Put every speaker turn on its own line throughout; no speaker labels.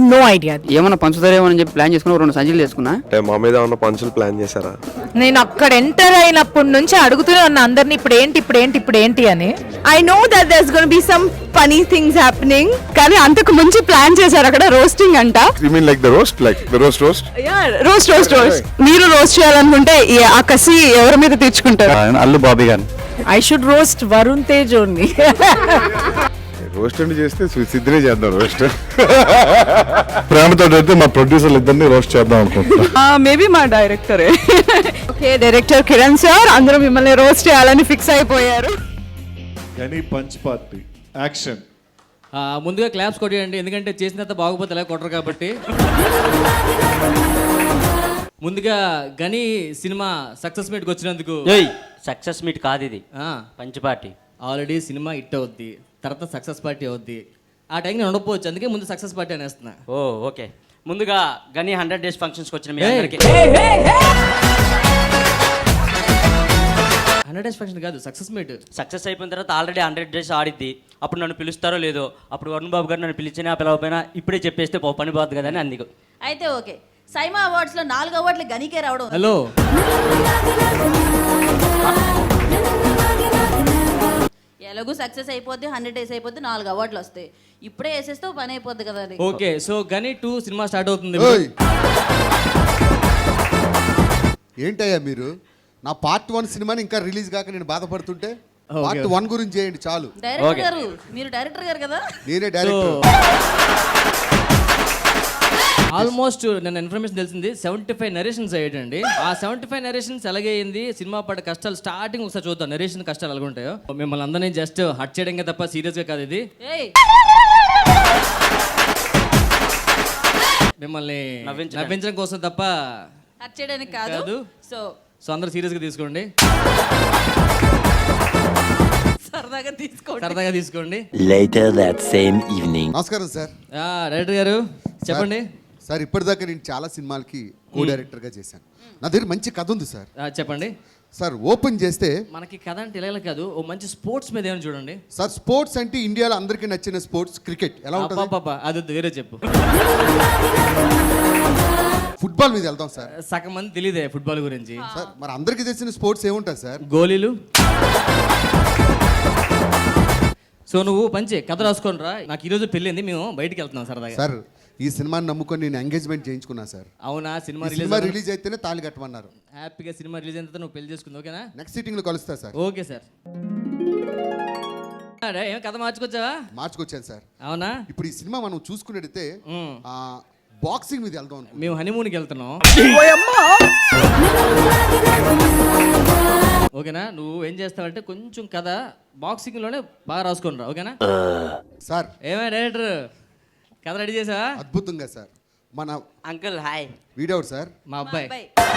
No idea.
ఏమన్నా పంచుతారేమో అని చెప్పి ప్లాన్ చేసుకుని 2 సంచులు చేసుకున్నా.
అంటే మా మీద ఉన్న పంచులు ప్లాన్ చేశారా?
నేను అక్కడ ఎంటర్ అయినప్పటి నుంచి అడుగుతూనే ఉన్నా అందరిని ఇప్పుడు ఏంటి అని.
I know that there's going to be some funny things happening. కానీ అంతకు ముందు ప్లాన్ చేశారు అక్కడ రోస్టింగ్ అంట.
You mean like the roast? Like the roast?
Roast మీరు రోస్ట్ చేయాలనుకుంటే ఆ కసి ఎవరి మీద తెచ్చుకుంటారు?
అల్లు బాబీ గారు.
I should roast Varun Tej only.
Roast అంటే చేస్తే సిద్ధినే చేద్దాం రోస్ట్.
ప్రేమతో అయితే మా ప్రొడ్యూసర్లు ఇద్దరిని రోస్ట్ చేద్దాం అనుకుంటున్నా.
మేబీ మా డైరెక్టరే. ఓకే, డైరెక్టర్ కిరణ్ సార్ అందరూ మిమ్మల్ని రోస్ట్ చేయాలని ఫిక్స్ అయిపోయారు.
Ghani punch party action.
ముందుగా క్లాప్స్ కొట్టేయండి, ఎందుకంటే చేసిన తర్వాత బాగోపోతే ఎలా కొట్టరు కాబట్టి. ముందుగా గని సినిమా సక్సెస్ మీట్కి వచ్చినందుకు.
సక్సెస్ మీట్ కాదు ఇది, పంచ్ పార్టీ.
ఆల్రెడీ సినిమా హిట్ అవుద్ది, తర్వాత సక్సెస్ పార్టీ అవుద్ది. ఆ టైం నేను ఉండకపోవచ్చు, అందుకే ముందు సక్సెస్ పార్టీ అనేస్తున్నా.
Oh okay. ముందుగా గని 100 days ఫంక్షన్స్కి వచ్చిన మీ అందరికీ
100 days ఫంక్షన్ కాదు, సక్సెస్ మీట్.
సక్సెస్ అయిపోయిన తర్వాత ఆల్రెడీ 100 days ఆడిద్ది. అప్పుడు నన్ను పిలుస్తారో లేదో, అప్పుడు వరుణ్ బాబు గారు నన్ను పిలిచినా పిలవకపోయినా ఇప్పుడే చెప్పేస్తే పని పోతుంది కదా అని అందుకు.
అయితే ఓకే, సైమా అవార్డ్స్ లో 4 అవార్డులు గనికే రావడం.
హలో,
ఎలాగూ సక్సెస్ అయిపోద్ది, 100 days అయిపోద్ది, 4 అవార్డులు వస్తాయి. ఇప్పుడే వేసేస్తే పని అయిపోద్ది కదా అది.
ఓకే. సో గని 2 సినిమా స్టార్ట్ అవుతుంది.
ఏంటయ్యా మీరు నా పార్ట్ 1 సినిమాని ఇంకా రిలీజ్ కాక నేను బాధపడుతుంటే పార్ట్ 1 గురించి చేయండి చాలు.
డైరెక్టర్ గారు, మీరు డైరెక్టర్ గారు కదా?
నేనే డైరెక్టర్.
ఆల్మోస్ట్ నేను ఇన్ఫర్మేషన్ తెలిసింది 75 నరేషన్స్ అయ్యాడండి. ఆ 75 నరేషన్స్ ఎలాగే అయింది, సినిమా పడ్డ కష్టాలు స్టార్టింగ్ ఒకసారి చూద్దాం. నరేషన్ కష్టాలు ఎలాగ ఉంటాయో. మిమ్మల్ని అందరినీ జస్ట్ హట్ చేయడం తప్ప సీరియస్ గా కాదు ఇది. మిమ్మల్ని నవ్వించడం కోసం తప్ప
హట్ చేయడానికి కాదు.
సో అందరూ సీరియస్ గా తీసుకోండి, సరదాగా తీసుకోండి.
Later that same evening.
నమస్కారం సార్.
డైరెక్టర్ గారు చెప్పండి.
సార్ ఇప్పటిదాకా నేను చాలా సినిమాలకి కో డైరెక్టర్గా చేశాను. నా దగ్గర మంచి కథ ఉంది సార్.
చెప్పండి
సార్. ఓపెన్ చేస్తే
మనకి కథ అంటే ఇలా కాదు, ఓ మంచి స్పోర్ట్స్ మీద ఏమైనా చూడండి
సార్. స్పోర్ట్స్ అంటే ఇండియాలో అందరికీ నచ్చిన స్పోర్ట్స్ క్రికెట్. ఎలా ఉంటుంది?
అది వేరే చెప్పు.
ఫుట్బాల్ మీద వెళ్దాం సార్.
సగం మంది తెలియదే ఫుట్బాల్ గురించి.
సార్ మరి అందరికీ తెలిసిన స్పోర్ట్స్ ఏముంటాయి సార్?
గోళీలు. సో నువ్వు పంచే కథ రాసుకొని రా. నాకు ఈరోజు పెళ్ళింది, మేము బయటికి వెళ్తున్నాం సరదాగా.
సార్ ఈ సినిమాని నమ్ముకొని నేను ఎంగేజ్మెంట్ చేయించుకున్నా సార్.
అవునా? సినిమా
రిలీజ్ అయితేనే తాళి కట్టమన్నారు.
హ్యాపీగా సినిమా రిలీజ్ అయిన తర్వాత నువ్వు పెళ్లి చేసుకుంది, ఓకేనా?
నెక్స్ట్ సిట్టింగ్ లో కలుస్తా సార్.
Okay sir. ఏం కథ మార్చుకొచ్చావా?
మార్చుకొచ్చాను సార్.
అవునా?
ఇప్పుడు ఈ సినిమా మనం చూసుకున్నట్టయితే బాక్సింగ్ మీద వెళ్దాం.
మేము హనీమూన్కి వెళ్తున్నాం, ఓకేనా? నువ్వు ఏం చేస్తావంటే కొంచెం కథ బాక్సింగ్ లోనే బాగా రాసుకొని రా, ఓకేనా?
సార్
ఏమే డైరెక్టర్, కథ రెడీ చేసావా?
అద్భుతంగా సార్. మన
అంకుల్ హాయ్.
వీడవుడు సార్
మా అబ్బాయి.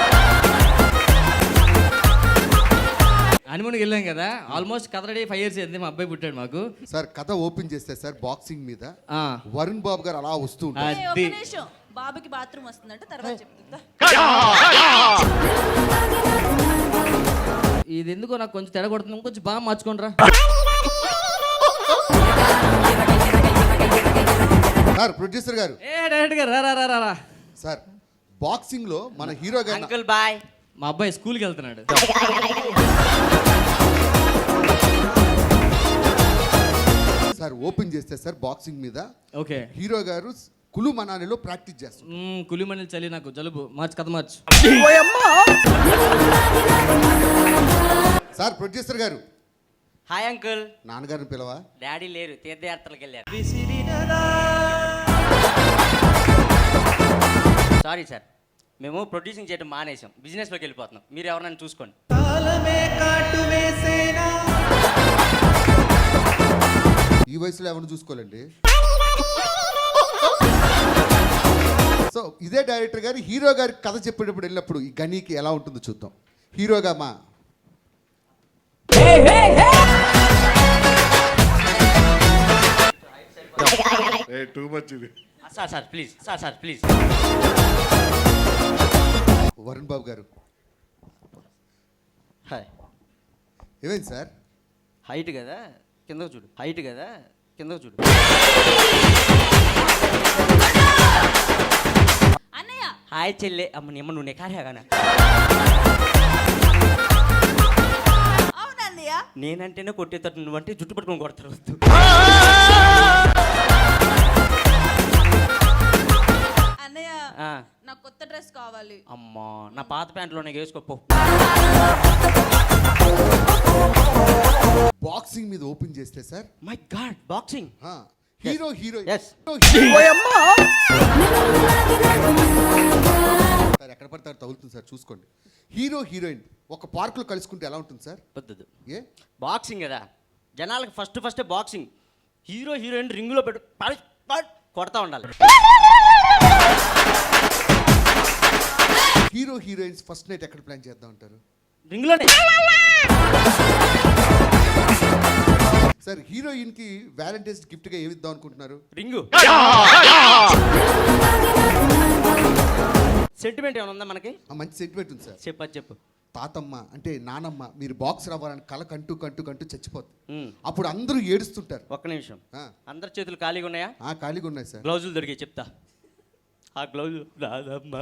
హనీమూన్కి వెళ్ళాం కదా, ఆల్మోస్ట్ కథ రెడీ 5 years అయింది. మా అబ్బాయి పుట్టాడు మాకు.
సార్ కథ ఓపెన్ చేస్తే సార్ బాక్సింగ్ మీద వరుణ్ బాబు గారు అలా వస్తూ ఉంటారు.
బాబుకి బాత్రూమ్ వస్తుందంటే తర్వాత చెప్తుందా.
ఇది ఎందుకో నాకు కొంచెం తెర కొడుతుంది, కొంచెం బాగా మార్చుకోండిరా.
సార్ ప్రొడ్యూసర్ గారు.
డైరెక్టర్ గారు రా.
సార్ బాక్సింగ్ లో మన హీరో గారు.
Uncle boy.
మా అబ్బాయి స్కూల్కి వెళ్తున్నాడు.
సార్ ఓపెన్ చేస్తే సార్ బాక్సింగ్ మీద
ఓకే
హీరో గారు కులు మనాలిలో ప్రాక్టీస్ చేస్తారు.
కులిమణి చలి, నాకు జలుబు. కథ మార్చు.
సార్ ప్రొడ్యూసర్ గారు.
Hi uncle.
నాన్నగారిని పిలవా?
డాడీ లేరు, తీర్థయాత్రలకు వెళ్ళారు. సారీ సార్, మేము ప్రొడ్యూసింగ్ చేయడం మానేసాం, బిజినెస్లోకి వెళ్ళిపోతున్నాం. మీరు ఎవరైనా చూసుకోండి.
ఈ వయసులో ఎవరిని చూసుకోవాలండి? సో ఇదే డైరెక్టర్ గారు హీరో గారి కథ చెప్పేటప్పుడు వెళ్ళినప్పుడు ఈ గనీకి ఎలా ఉంటుందో చూద్దాం. హీరోగా మా
టూ మచ్ ఇది.
Sir please.
వరుణ్ బాబు గారు.
హాయ్.
ఏమైంది సార్?
హైట్ కదా, కిందకు చూడు.
అన్నయ్య
హాయ్ చెల్లె అమ్మ నిమ్మ నువ్వు నెకారేగానా
అవునన్నయ్య
నేనంటేనే కొట్టేటట్టు నువ్వంటే జుట్టు పట్టుకొని కొడతారు వద్దు.
అన్నయ్య
ఆ,
నాకు కొత్త డ్రెస్ కావాలి.
అమ్మా నా పాత ప్యాంట్లోనే వేసుకోపో.
బాక్సింగ్ మీద ఓపెన్ చేస్తే sir
my god boxing.
Hero heroine
Yes.
Sir ఎక్కడ పడతారు తగులుతుంది సార్ చూసుకోండి. హీరో హీరోయిన్ ఒక పార్కులో కలుసుకుంటే ఎలా ఉంటుంది సార్?
వద్దు
ఏ
బాక్సింగ్ కదా జనాలకు ఫస్ట్ బాక్సింగ్. హీరో హీరోయిన్ రింగులో పెట్టు కొడతా ఉండాలి.
హీరో హీరోయిన్స్ ఫస్ట్ నైట్ ఎక్కడ ప్లాన్ చేద్దాం అంటారు?
రింగులోనే.
సార్ హీరోయిన్ కి వ్యాలంటైన్స్ గిఫ్ట్ గా ఏమి ఇద్దాం అనుకుంటున్నారు?
రింగు. సెంటిమెంట్ ఏమైనా ఉందా మనకి?
మంచి సెంటిమెంట్ ఉంది సార్.
చెప్పు.
తాతమ్మ అంటే నానమ్మ మీరు బాక్స్ రావాలని కల కంటూ చచ్చిపోతుంది.
ఉమ్.
అప్పుడు అందరూ ఏడుస్తుంటారు.
ఒక్క నిమిషం.
ఆ.
అందరి చేతులు ఖాళీగా ఉన్నాయా?
ఖాళీగా ఉన్నాయి సార్.
గ్లౌజులు దొరికాయి చెప్తా. ఆ గ్లౌజు రాదమ్మా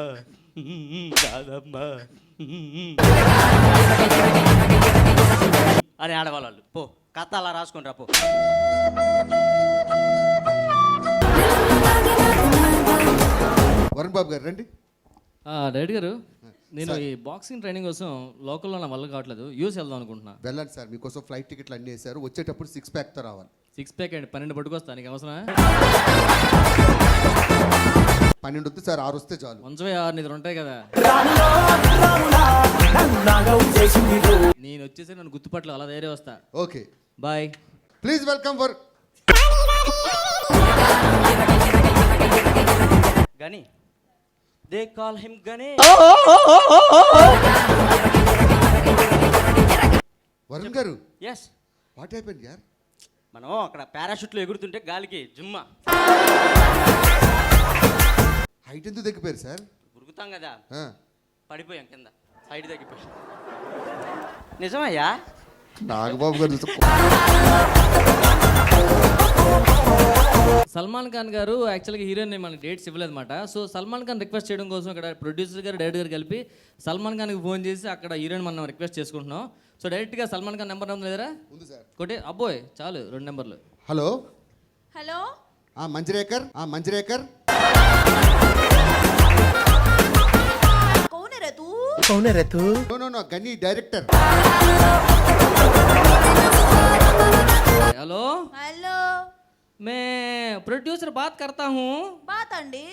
అని ఆడవాళ్ళు. పో కథ అలా రాసుకొని రా పో.
వరుణ్ బాబు గారు రండి.
డైరెక్ట్ గారు నేను ఈ బాక్సింగ్ ట్రైనింగ్ కోసం లోకల్లో నా వల్ల కావట్లేదు, యూఎస్ వెళ్దాం అనుకుంటున్నా.
వెళ్ళండి సార్, మీకోసం ఫ్లైట్ టికెట్లు అన్నీ వేశారు. వచ్చేటప్పుడు 6 ప్యాక్తో రావాలి.
6 ప్యాక్ అండి 12 పట్టుకొస్తా, నీకు అవసరమా?
12 వద్దు సార్, 6 వస్తే చాలు.
6 నిద్ర ఉంటాయి కదా. నేను వచ్చేసి నన్ను గుర్తుపట్లు అలా ధైర్యం వస్తా.
Okay
bye.
Please welcome for
Ghani they call him Ghani.
Varun గారు.
ఎస్.
వాట్ హ్యాపెండ్ యార్?
మనం అక్కడ పారాషూట్లో ఎగురుతుంటే గాలికి జుమ్మా
హైట్ ఎందుకు తగ్గిపోయారు సార్?
ఉరుకుతాం కదా,
ఆ.
పడిపోయాం కింద, హైట్ తగ్గిపోయాం. నిజమయ్యా?
నాగబాబు గారు
సల్మాన్ ఖాన్ గారు యాక్చువల్గా హీరోయిన్ మనకి డేట్స్ ఇవ్వలేదన్నమాట. సో సల్మాన్ ఖాన్ రిక్వెస్ట్ చేయడం కోసం ఇక్కడ ప్రొడ్యూసర్ గారు డైరెక్టర్ గారు కలిపి సల్మాన్ ఖాన్కి ఫోన్ చేసి అక్కడ హీరోయిన్ మనం రిక్వెస్ట్ చేసుకుంటున్నాం. సో డైరెక్ట్గా సల్మాన్ ఖాన్ నెంబర్ ఉంది లేదరా?
ఉంది సార్.
కొట్టే అబ్బోయ్ చాలు 2 నెంబర్లు.
Hello
hello
Manjrekar. మంజరేకర్
कौन है तू?
No Ghani director.
Hello
hello
मैं प्रोड्यूसर बात करता हूँ.
बात अंडी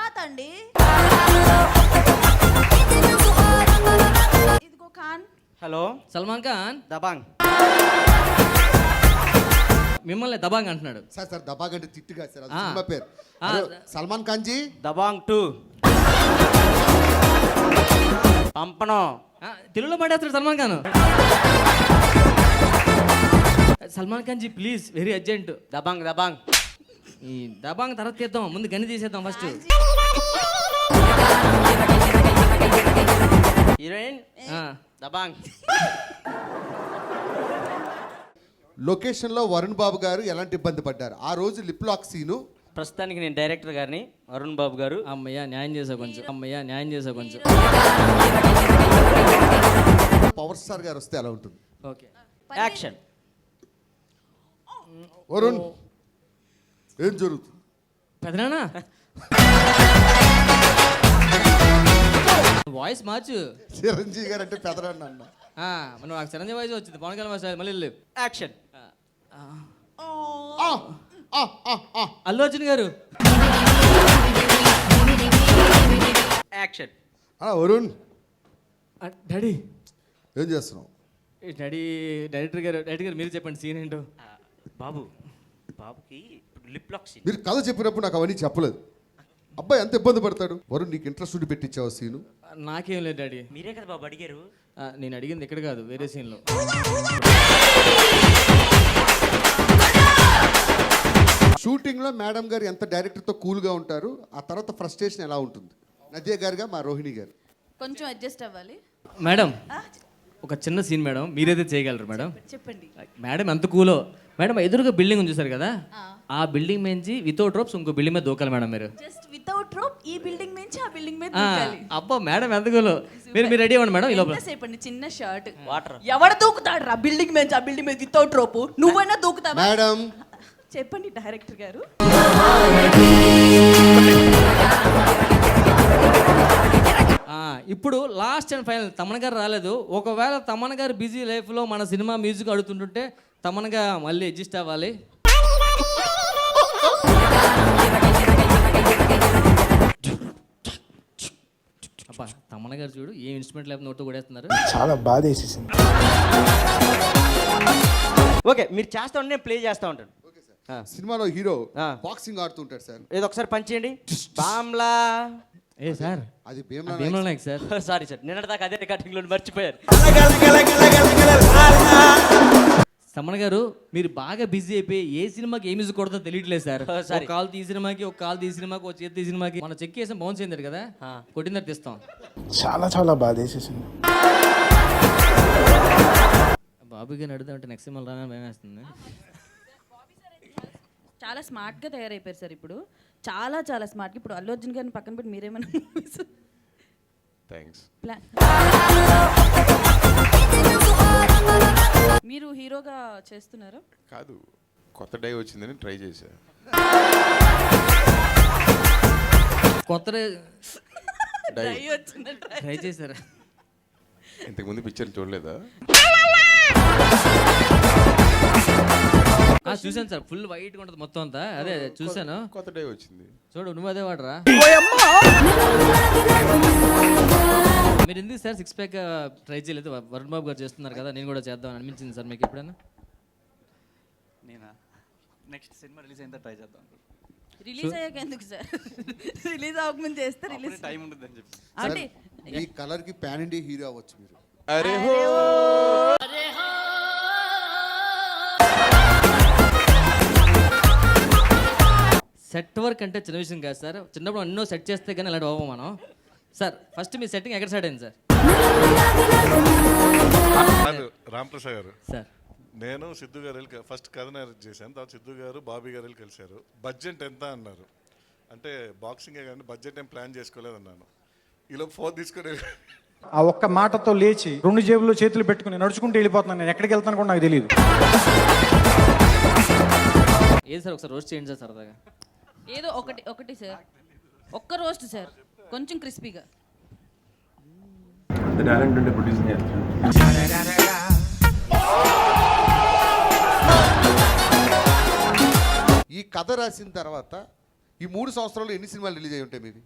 इदिगो खान.
హలో
సల్మాన్ ఖాన్
దబాంగ్.
మిమ్మల్ని దబాంగ్ అంటున్నాడు.
సార్ దబాగంటే తిట్టుగా సార్, అది
ఆ.
సినిమా పేరు.
ఆ.
హలో, సల్మాన్ ఖాన్ జీ.
దబాంగ్ 2 పంపను.
తెలుగులో మాట్లాడుతాడు Salman Khan. Salman Khan ji please very urgent.
Dabangg
ఈ దబాంగ్ తర్వాత తీద్దాం, ముందు గని తీసేద్దాం ఫస్ట్.
హీరోయిన్ దబాంగ్.
లొకేషన్ లో వరుణ్ బాబు గారు ఎలాంటి ఇబ్బంది పడ్డారు ఆ రోజు? Lip lock scene.
ప్రస్తుతానికి నేను డైరెక్టర్ గారిని, అరుణ్ బాబు గారు.
అమ్మయ్య న్యాయం చేసా కొంచెం.
పవర్ స్టార్ గారు వస్తే ఎలా ఉంటుంది?
Okay
action.
వరుణ్ ఏం జరుగుతుంది?
పెదనానా వాయిస్ మార్చు.
చిరంజీవి గారు అంటే పెదరాన్ని అన్న.
మనం నాకు చిరంజీవి వాయిస్ వచ్చింది, పవన్ కళ్యాణ్ వాయిస్ మళ్ళీ వెళ్ళు.
యాక్షన్.
అల్లు అర్జున్ గారు.
యాక్షన్.
వరుణ్
డాడీ
ఏం చేస్తున్నావు?
డైరెక్టర్ గారు మీరు చెప్పండి సీన్ ఏంటో.
బాబుకి లిప్ లాక్ సీన్.
మీరు కథ చెప్పినప్పుడు నాకు అవన్నీ చెప్పలేదు. అబ్బాయి ఎంత ఇబ్బంది పడతాడు? వరుణ్ నీకు ఇంట్రెస్ట్ ఉండి పెట్టించావు సీను?
నాకేం లేదు డాడీ.
మీరే కదా బాబు అడిగారు.
నేను అడిగింది ఇక్కడ కాదు, వేరే సీన్లో.
షూటింగ్ లో మేడం గారు ఎంత డైరెక్టర్ తో కూల్ గా ఉంటారు, ఆ తర్వాత ఫ్రస్ట్రేషన్ ఎలా ఉంటుంది? నదియా గారుగా మా రోహిణి గారు.
కొంచెం అడ్జస్ట్ అవ్వాలి.
మేడం ఒక చిన్న సీన్ మేడం, మీరైతే చేయగలరు మేడం.
చెప్పండి.
మేడం ఎంత కూలో. మేడం ఎదురుగా బిల్డింగ్ ఉంది చూసారు కదా, ఆ బిల్డింగ్ నుంచి వితౌట్ రోప్స్ ఇంకో బిల్డింగ్ మీద దూకాలి మేడం మీరు.
జస్ట్ వితౌట్ రోప్ ఈ బిల్డింగ్ నుంచి ఆ బిల్డింగ్ మీద
ఆ,
దూకాలి.
అబ్బో మేడం ఎందుకు మీరు రెడీ అవ్వండి మేడం. ఈ లోపల
ఎంతసేపు అండి చిన్న షర్ట్
వాటర్
ఎవడు దూకుతాడు రా బిల్డింగ్ మీద ఆ బిల్డింగ్ మీద వితౌట్ రోప్? నువ్వైనా దూకుతావా?
మేడం
చెప్పండి డైరెక్టర్ గారు.
ఇప్పుడు లాస్ట్ అండ్ ఫైనల్ తమన్ గారు రాలేదు. ఒకవేళ తమన్ గారు బిజీ లైఫ్లో మన సినిమా మ్యూజిక్ అడుగుతుంటుంటే తమన్గా మళ్ళీ అడ్జస్ట్ అవ్వాలి. అబ్బా తమన్ గారు చూడు ఏ ఇన్స్ట్రుమెంట్ లేకపోతే నోట్తో కొడేస్తున్నారు.
చాలా బాధ వేసేసింది.
ఓకే మీరు చేస్తా ఉంటే నేను ప్లే చేస్తూ ఉంటాను.
సినిమాలో హీరో
ఆ.
బాక్సింగ్ ఆడుతుంటాడు సార్.
ఏదో ఒకసారి పని చేయండి. బామ్లా
ఏ సార్
అది
భీమలో నాయక్ సార్.
సారీ సార్ నిన్నటి దాకా అదే రికార్డింగ్లో మర్చిపోయారు.
తమన్ గారు మీరు బాగా బిజీ అయిపోయి ఏ సినిమాకి ఏ మ్యూజిక్ కొడతా తెలియట్లేదు సార్.
sorry.
ఒక కాల్ తీ సినిమాకి, ఒక కాల్ తీ సినిమాకి, ఒక చేతి సినిమాకి. మన చెక్ చేసాం బౌన్స్ అయింది కదా, కొట్టిన తర్వాత తీస్తాం.
చాలా చాలా బాధ వేసేసింది.
బాబు గారిని అడుగుదామంటే నెక్స్ట్ సినిమా రాగానే భయం వేస్తుంది.
చాలా స్మార్ట్ గా తయారైపోయారు సార్ ఇప్పుడు. చాలా చాలా స్మార్ట్. ఇప్పుడు అల్లు అర్జున్ గారిని పక్కన పెట్టి మీరేమైనా
థ్యాంక్స్.
మీరు హీరోగా చేస్తున్నారా?
కాదు, కొత్త డై వచ్చిందని ట్రై చేశా.
కొత్త
డై
ట్రై చేశారా?
ఇంతకుముందు పిక్చర్ చూడలేదా?
చూసాను సార్, ఫుల్ వైట్గా ఉంటుంది మొత్తం అంతా. అదే చూసాను.
కొత్త డై వచ్చింది.
చూడు నువ్వు అదే వాడరా. మీరు ఎందుకు సార్ సిక్స్ ప్యాక్ ట్రై చేయలేదు? వరుణ్ బాబు గారు చేస్తున్నారు కదా, నేను కూడా చేద్దామని అనిపించింది సార్ మీకు ఎప్పుడైనా?
నేనా నెక్స్ట్ సినిమా రిలీజ్ అయిన ట్రై చేద్దాం.
రిలీజ్ అయ్యాక ఎందుకు సార్? రిలీజ్ అవ్వకముందు చేస్తే రిలీజ్
టైం ఉంటుందని చెప్పి.
అంటే
ఈ కలర్ కి పాన్ ఇండియా హీరో అవ్వచ్చు మీరు.
అరే హో
సెట్ వర్క్ అంటే చిన్న విషయం కాదు సార్. చిన్నప్పుడు ఎన్నో సెట్ చేస్తే కానీ అలాంటి అవ్వం మనం. సార్ ఫస్ట్ మీ సెట్టింగ్ ఎక్కడ స్టార్ట్ అయింది సార్?
రామప్రసాద్ గారు,
సార్
నేను సిద్ధు గారు వెళ్ళి ఫస్ట్ కథ చేశాను. తర్వాత సిద్ధు గారు బాబీ గారు వెళ్ళి కలిశారు. బడ్జెట్ ఎంత అన్నారు. అంటే బాక్సింగే కానీ బడ్జెట్ ఏం ప్లాన్ చేసుకోలేదు అన్నాను. ఈలో ఫోన్ తీసుకుని
ఆ ఒక్క మాటతో లేచి 2 జేబుల్లో చేతులు పెట్టుకుని నడుచుకుంటూ వెళ్ళిపోతున్నాను. నేను ఎక్కడికి వెళ్తాను కూడా నాకు తెలియదు.
ఏది సార్ ఒకసారి రోస్ట్ చేయండి సార్ సరదాగా.
ఏదో ఒకటి సార్, ఒక్క రోస్ట్ సార్, కొంచెం క్రిస్పీగా.
ఈ కథ రాసిన తర్వాత ఈ 3 సంవత్సరాల్లో ఎన్ని సినిమాలు రిలీజ్ అయి ఉంటాయి మీవి?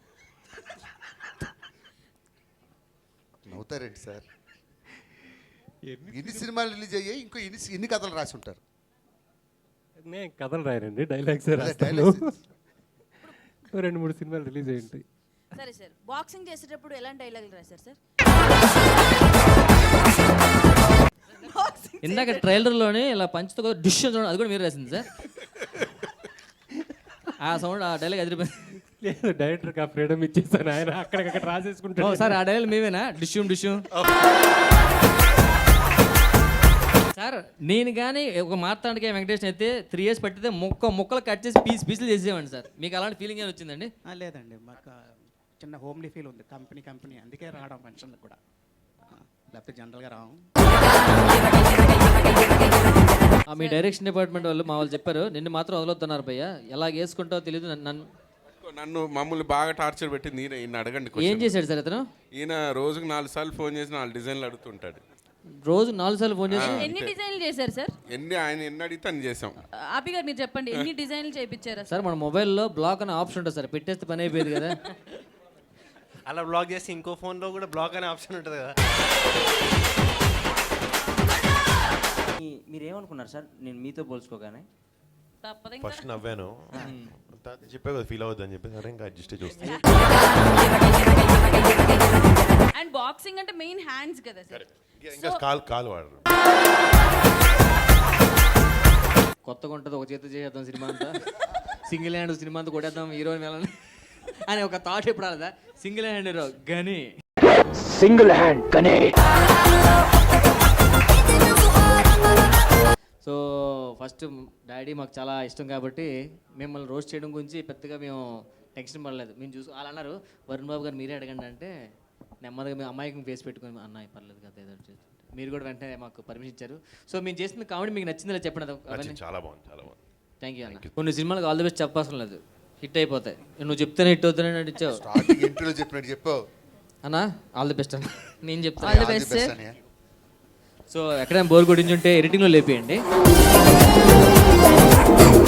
నవ్వుతారేంటి సార్? ఎన్ని సినిమాలు రిలీజ్ అయ్యాయి? ఇంకో ఎన్ని కథలు రాసి ఉంటారు?
నేను కథలు రాయనండి, డైలాగ్స్
డైలాగ్స్
2-3 సినిమాలు రిలీజ్ అయ్యి ఉంటాయి.
సరే సార్, బాక్సింగ్ చేసేటప్పుడు ఎలాంటి డైలాగులు రాశారు సార్?
ఇందాక ట్రైలర్లోనే ఇలా పంచుతో డిష్ చూడండి, అది కూడా మీరు రాసింది సార్. ఆ సౌండ్ ఆ డైలాగ్ ఎదిరిపోయింది.
లేదు, డైరెక్టర్కి ఆ ఫ్రీడమ్ ఇచ్చేసాను, ఆయన అక్కడికక్కడ రాసేసుకుంటాను.
సార్ ఆ డైలాగ్ మేమేనా? డిష్యూమ్ సార్ నేను కానీ ఒక మార్తాండకే వెంకటేష్ అయితే 3 years పట్టితే ముక్కలు కట్ చేసి పీసులు చేసేవాడిని సార్. మీకు అలాంటి ఫీలింగ్ ఏమైనా వచ్చిందండి?
లేదండి, మాకు చిన్న హోమ్లీ ఫీల్ ఉంది. కంపెనీ అందుకే రావడం ఫంక్షన్లకు కూడా, లేకపోతే జనరల్గా రావం.
మీ డైరెక్షన్ డిపార్ట్మెంట్ వాళ్ళు మా వాళ్ళు చెప్పారు నిన్ను మాత్రం వదలొద్దన్నారు భయ్య, ఎలా వేసుకుంటావో తెలియదు.
నన్ను మమ్మల్ని బాగా టార్చర్ పెట్టి ఈయన అడగండి.
ఏం చేశాడు సార్ అతను?
ఈయన రోజుకు 4 సార్లు ఫోన్ చేసి 4 డిజైన్లు అడుగుతుంటాడు.
రోజు 4 సార్లు ఫోన్ చేసి
ఎన్ని డిజైన్లు చేశారు సార్?
ఆయన ఎన్ని అడిగితే అన్ని చేసాం.
ఆపి గారు మీరు చెప్పండి, ఎన్ని డిజైన్లు చేయించారు
సార్? మన మొబైల్లో బ్లాక్ అనే ఆప్షన్ ఉంటుంది సార్, పెట్టేస్తే పని అయిపోయేది కదా.
అలా బ్లాక్ చేసి ఇంకో ఫోన్లో కూడా బ్లాక్ అనే ఆప్షన్ ఉంటుంది కదా.
మీరేమనుకున్నారు సార్ నేను మీతో పోల్చుకోగానే?
తప్పదు.
ఫస్ట్ నవ్వాను, చెప్పే కదా ఫీల్ అవుద్ది అని చెప్పి సరే ఇంకా అడ్జస్ట్ చూస్తాను.
అండ్ బాక్సింగ్ అంటే మెయిన్ హ్యాండ్స్ కదా సార్.
ఇంకా కాలు వాడరు.
కొత్తగా ఉంటుంది, ఒక చేతి చేద్దాం సినిమా అంతా, సింగిల్ హ్యాండ్ సినిమా అంతా కొట్టేద్దాం హీరోయిన్ వెళ్ళని అని ఒక థాట్ ఎప్పుడు రాలేదా? Single hand hero Ghani,
single hand Ghani.
So first daddy మాకు చాలా ఇష్టం కాబట్టి మిమ్మల్ని రోస్ట్ చేయడం గురించి పెద్దగా మేము టెన్షన్ పడలేదు. మేము వాళ్ళు అన్నారు వరుణ్ బాబు గారు మీరే అడగండి అంటే నెమ్మదిగా మేము అమ్మాయికి ఫేస్ పెట్టుకుని అన్నయ్య పర్లేదు కదా ఏదో చేస్తుంటే మీరు కూడా వెంటనే మాకు పర్మిషన్ ఇచ్చారు. సో మేము చేసిన కామెడీ మీకు నచ్చిందిలా చెప్పండి. అవన్నీ
చాలా బాగుంది, చాలా బాగుంది.
థ్యాంక్ యూ అన్న. కొన్ని సినిమాలకు ఆల్ ది బెస్ట్ చెప్పవసరం లేదు, హిట్ అయిపోతాయి. నువ్వు చెప్తేనే హిట్ అవుతానని నడిచావు.
స్టార్టింగ్ ఇంటర్వ్యూలో చెప్పినట్టు చెప్పావు
అన్నా ఆల్ ది బెస్ట్ అన్న. నేను
ఆల్
చెప్తాను.
The best sir.
సో ఎక్కడైనా బోర్ కొట్టించుంటే ఎడిటింగ్లో లేపేయండి.